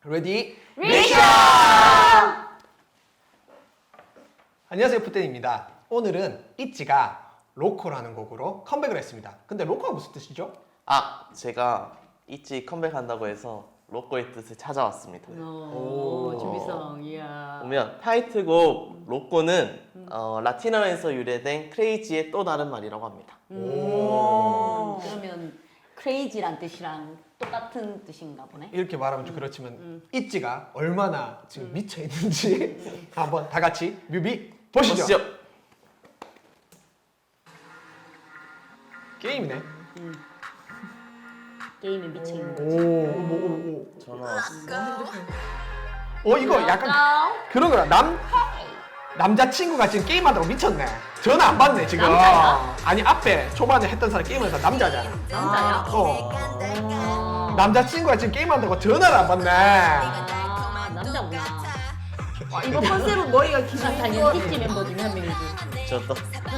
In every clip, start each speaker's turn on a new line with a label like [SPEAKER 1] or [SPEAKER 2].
[SPEAKER 1] 레디
[SPEAKER 2] 미션!
[SPEAKER 1] 안녕하세요, 푸텐입니다. 오늘은 있지가 로코라는 곡으로 컴백을 했습니다. 근데 로코가 무슨 뜻이죠?
[SPEAKER 3] 제가 있지 컴백한다고 해서 로꼬의 뜻을 찾아왔습니다.
[SPEAKER 2] 오, 준비성, 이야.
[SPEAKER 3] 보면 타이틀곡 로꼬는 라틴어에서 유래된 크레이지의 또 다른 말이라고 합니다.
[SPEAKER 2] 그러면 크레이지란 뜻이랑 똑같은 뜻인가 보네.
[SPEAKER 1] 이렇게 말하면 좀 그렇지만 있지가 얼마나 지금 미쳐 있는지 한번 다 같이 뮤비 보시죠. 게임이네.
[SPEAKER 2] 게임에 미쳐 있는 거지.
[SPEAKER 1] 오.
[SPEAKER 3] 전화 왔어.
[SPEAKER 1] 이거 약간 그런 거야. 남자친구가 지금 게임하다고 미쳤네. 전화 안 받네 지금.
[SPEAKER 2] 남자야?
[SPEAKER 1] 아니 앞에 초반에 했던 사람 게임에서 남자잖아.
[SPEAKER 2] 남자야?
[SPEAKER 1] 남자친구가 지금 게임한다고 전화를 안 받네.
[SPEAKER 2] 남자구나.
[SPEAKER 4] 이거 컨셉은 머리가
[SPEAKER 2] 난
[SPEAKER 4] 기분
[SPEAKER 2] 당연히 히트 멤버 중에 한 명이지.
[SPEAKER 3] 저도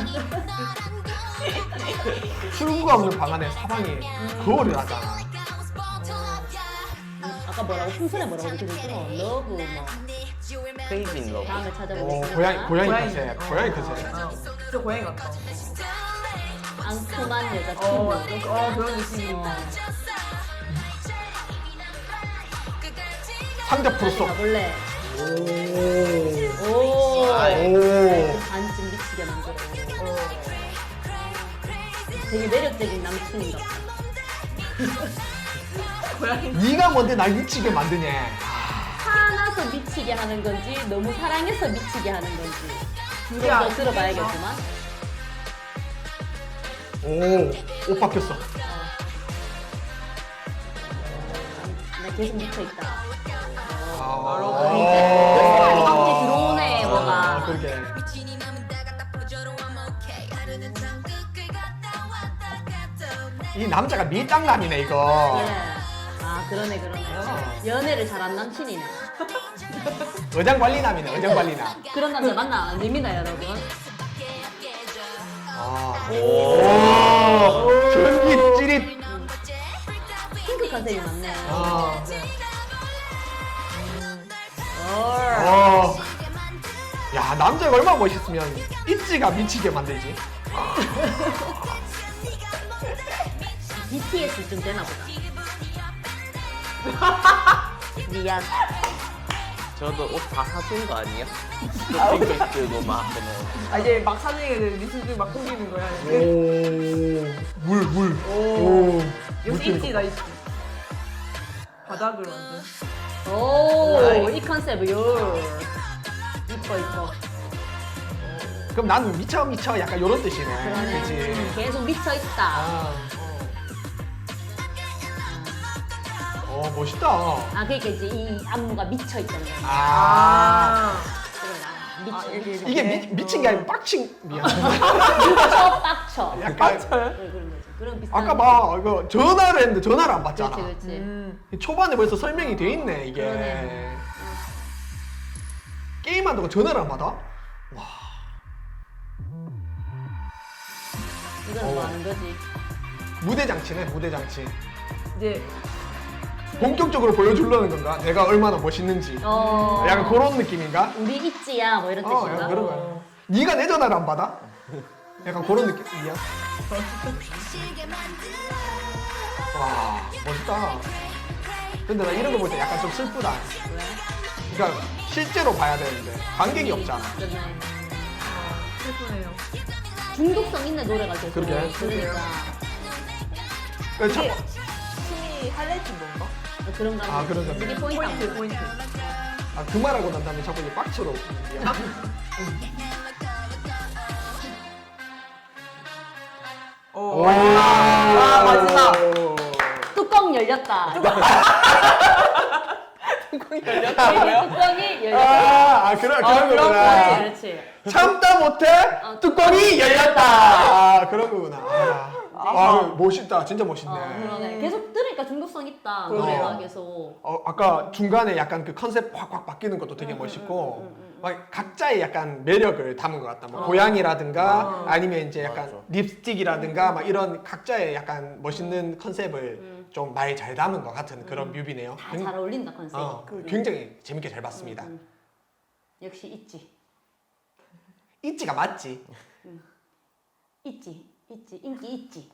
[SPEAKER 1] 출구가 없는 방 안에 사방이 거울을 하잖아.
[SPEAKER 2] 아까 뭐라고? 풍선에 뭐라고 그랬죠? 러브 뭐.
[SPEAKER 3] 크레이지 인 러브.
[SPEAKER 2] 다음에 찾아보겠습니다.
[SPEAKER 1] 고양이
[SPEAKER 4] 고양이.
[SPEAKER 1] 컨셉. 고양이 컨셉.
[SPEAKER 4] 진짜 고양이 같다.
[SPEAKER 2] 앙큼한 여자친구.
[SPEAKER 4] 그런 느낌이.
[SPEAKER 1] 상자 풀었어.
[SPEAKER 2] 가볼래?
[SPEAKER 1] 오.
[SPEAKER 2] 오.
[SPEAKER 1] 오.
[SPEAKER 2] 반쯤 미치게 만들어. 되게 매력적인 남친인가 봐.
[SPEAKER 1] 네가 뭔데 날 미치게 만드냐.
[SPEAKER 2] 화나서 미치게 하는 건지 너무 사랑해서 미치게 하는 건지 좀
[SPEAKER 4] 둘이 안
[SPEAKER 2] 더 들어봐야겠지만.
[SPEAKER 1] 옷 바뀌었어.
[SPEAKER 2] 나 계속 미쳐있다.
[SPEAKER 1] 아,
[SPEAKER 2] 이제 들어오네 뭐가.
[SPEAKER 1] 그러게. 이 남자가 밀당남이네 이거.
[SPEAKER 2] 예. 아 그러네. 연애를 잘한 남친이네.
[SPEAKER 1] 의장관리남이네 의장관리남.
[SPEAKER 2] 그런 남자 만나 안 됩니다 여러분.
[SPEAKER 1] 오. 전기 찌릿.
[SPEAKER 2] 핑크 컨셉이 맞네.
[SPEAKER 1] 야 남자가 얼마나 멋있으면 있지가 미치게 만들지.
[SPEAKER 2] BTS 좀 되나 보다. 미안.
[SPEAKER 3] 저도 옷 다 사준 거 아니야? 쇼핑백 들고 막 그냥.
[SPEAKER 4] 이제 막 사는 게 미술들 막 꾸미는 거야.
[SPEAKER 1] 물.
[SPEAKER 4] 여기 있지, 나 있지. 바닥을 완전.
[SPEAKER 2] 오, 이 컨셉이요. 이뻐.
[SPEAKER 1] 그럼 나는 미쳐 약간 요런 뜻이네.
[SPEAKER 2] 그러네.
[SPEAKER 1] 그치?
[SPEAKER 2] 계속 미쳐있다.
[SPEAKER 1] 멋있다.
[SPEAKER 2] 그러니까 이제 이 안무가 미쳐있던 거야. 미쳐.
[SPEAKER 1] 이게 미친 게 아니고 빡친 미안.
[SPEAKER 2] 빡쳐.
[SPEAKER 1] 약간
[SPEAKER 2] 그런 거지. 그런 비슷한.
[SPEAKER 1] 아까 봐 이거 전화를 했는데 전화를 안 받잖아.
[SPEAKER 2] 그렇지.
[SPEAKER 1] 초반에 벌써 설명이 돼 있네 이게.
[SPEAKER 2] 그러네.
[SPEAKER 1] 게임한다고 전화를 안 받아?
[SPEAKER 2] 이건 뭐 하는 거지?
[SPEAKER 1] 무대 장치네 무대 장치.
[SPEAKER 4] 이제
[SPEAKER 1] 본격적으로 보여주려는 건가? 내가 얼마나 멋있는지. 약간 그런 느낌인가?
[SPEAKER 2] 우리 있지야 뭐 이런 뜻인가?
[SPEAKER 1] 약간 그런 거야. 네가 내 전화를 안 받아? 약간 그런 느낌이야. 와 멋있다. 근데 나 이런 거 볼 때 약간 좀 슬프다.
[SPEAKER 2] 왜?
[SPEAKER 1] 그러니까 실제로 봐야 되는데 관객이 없잖아.
[SPEAKER 2] 그러네.
[SPEAKER 4] 슬프네요.
[SPEAKER 2] 중독성 있는 노래가 계속.
[SPEAKER 1] 그러게.
[SPEAKER 2] 그러니까
[SPEAKER 1] 그러니까
[SPEAKER 4] 이게
[SPEAKER 1] 참-
[SPEAKER 4] 심리 하이라이트인 건가?
[SPEAKER 2] 그런 거.
[SPEAKER 1] 그런 거.
[SPEAKER 2] 되게 포인트.
[SPEAKER 4] 포인트.
[SPEAKER 1] 그 말하고 난 다음에 자꾸 이제 빡쳐로.
[SPEAKER 4] 마지막.
[SPEAKER 2] 뚜껑 열렸다.
[SPEAKER 4] 뚜껑이
[SPEAKER 2] 뚜껑이
[SPEAKER 4] 열렸다고요?
[SPEAKER 2] 열렸다.
[SPEAKER 1] 그런
[SPEAKER 2] 그렇지,
[SPEAKER 1] 거구나.
[SPEAKER 2] 그렇지.
[SPEAKER 1] 참다 못해 뚜껑이 열렸다. 그런 거구나. 멋있다. 진짜 멋있네.
[SPEAKER 2] 그러네. 계속 들으니까 중독성 있다.
[SPEAKER 4] 그러네요.
[SPEAKER 2] 노래가 계속.
[SPEAKER 1] 아까 중간에 약간 그 컨셉 확 바뀌는 것도 되게 멋있고 막 각자의 약간 매력을 담은 것 같다. 뭐 고양이라든가 아니면 이제 약간
[SPEAKER 3] 맞아.
[SPEAKER 1] 립스틱이라든가 막 이런 각자의 약간 멋있는 컨셉을 좀 말 잘 담은 것 같은 그런 뮤비네요.
[SPEAKER 2] 다 잘 어울린다 컨셉.
[SPEAKER 1] 굉장히 재밌게 잘 봤습니다.
[SPEAKER 2] 역시 있지.
[SPEAKER 1] 있지가 맞지?
[SPEAKER 2] 있지. 인기 있지.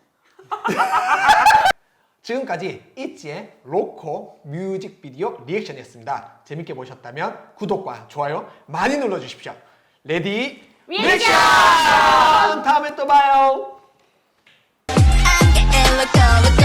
[SPEAKER 1] 지금까지 있지의 로코 뮤직비디오 리액션이었습니다. 재밌게 보셨다면 구독과 좋아요 많이 눌러주십시오. 레디 리액션! 다음에 또 봐요.
[SPEAKER 5] I'm getting loco.